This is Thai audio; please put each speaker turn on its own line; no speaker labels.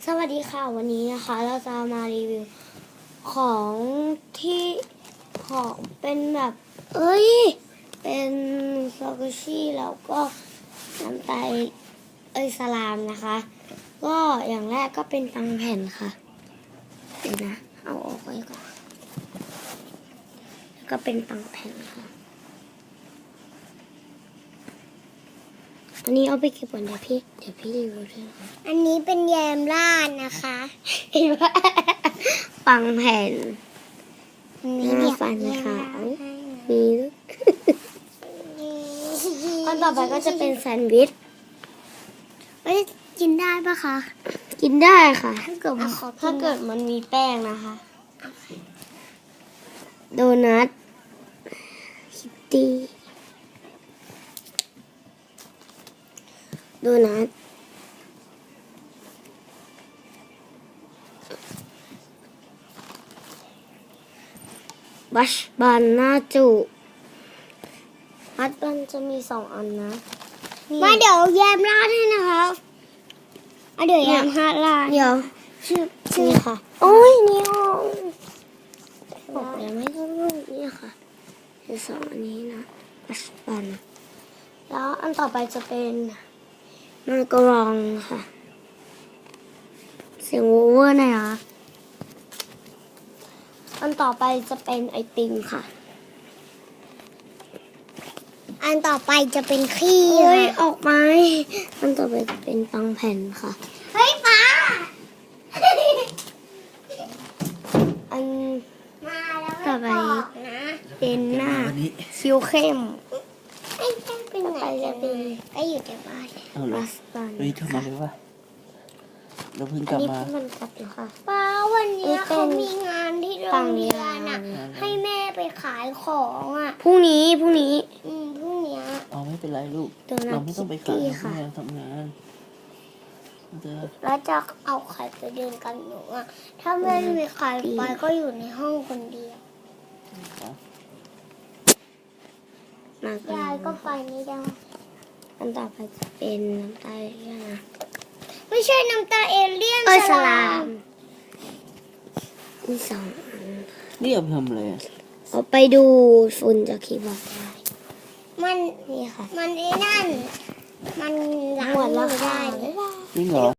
สวัสดีค่ะวันนี้นะคะเราจะมารีวิวของที่ของเป็นแบบเป็นซอกุชิแล้วก็น้ำตาลสลามนะคะ ก็อย่างแรกก็เป็นตังแผ่นค่ะเดี๋ยวนะเอาออกไว้ก่อนแล้วก็เป็นตังแผ่นค่ะอันนี้เอาไปเก็บก่อนเดี๋ยวพี่รีวิวด้วยนะคะ
อันนี้เป็นแยมราดนะคะ
เห็นว่าปังแผ่น
มี
หน้าฟันขาวมีอันต่อไปก็จะเป็นแซนด์วิช
กินได้ปะคะ
กินได้ค่ะ
ถ้าเกิด
มันมีแป้งนะคะโดนัทคิตตี้โดนัทบัชบันน่าจุบัชบันจะมี2 อันนะ
มาเดี๋ยวแยมราดให้นะครับเดี๋ยวแยมราด
เดี๋ยว
ชื่อ
นี่ค่ะโอ้ยนี่ห้องบอกแล้วไม่ต้องรูปนี่ค่ะคือ2 อันนี้นะบัชบันแล้วอันต่อไปจะเป็นมังกรองค่ะเสียงโอเวอร์นะคะอันต่อไปจะเป็นไอติมค่ะ
อันต่อไปจะเป็นขี้
ออกมาอันต่อไปจะเป็นปังแผ่นค่ะ
เฮ้ยฟ้า
อัน
มาแล้ว
ต่อไป
นะ
เป็นหน้าคิ้วเข้ม
ไอ้แป้งเป็นไหนก็อยู่แต่บ้าน
เอาเหรอ
บัสบัน
เฮ้ยทำมาเลยวะเราเพิ่งก
อั
ลั
น
บ
นี้
มา
มันกัดอยู่ค่ะ
ป้าวันนี้
เป็น
เขามีงานที่โรงเรียนอ่ะ
ปังยาว
ให้แม่ไปขายของอ่ะ
พรุ่งนี้
พรุ่งเนี้ย
เอาไม่เป็นไรลูก
โดนัท
เราไม่ต้องไปขาย
คิตตี้ค่ะ
แม่ทำงานจะ
แล้วจะเอาไข่ไปเดินกันหนูอ่ะถ้าไม่มีไข่ไปก็อยู่ในห้องคนเดียว
มาก
ยายก็ไปไม่ได้
อันต่อไปจะเป็นน้ำตาลเลี่ยนนะ
ไม่ใช่น้ำตาเอเลี่ยน
สลามมี2 อัน
นี่เอาไปทำอะไรอ่ะ
เอาไปดูฝุ่นจากคีย์บอร์ดได้
มัน
นี่ค่ะ
มันไอ้นั่น มันล้าง
หมดแล้ว
มือ
ค่ะ
ได้
บ๊ายบาย
จริงเหรอ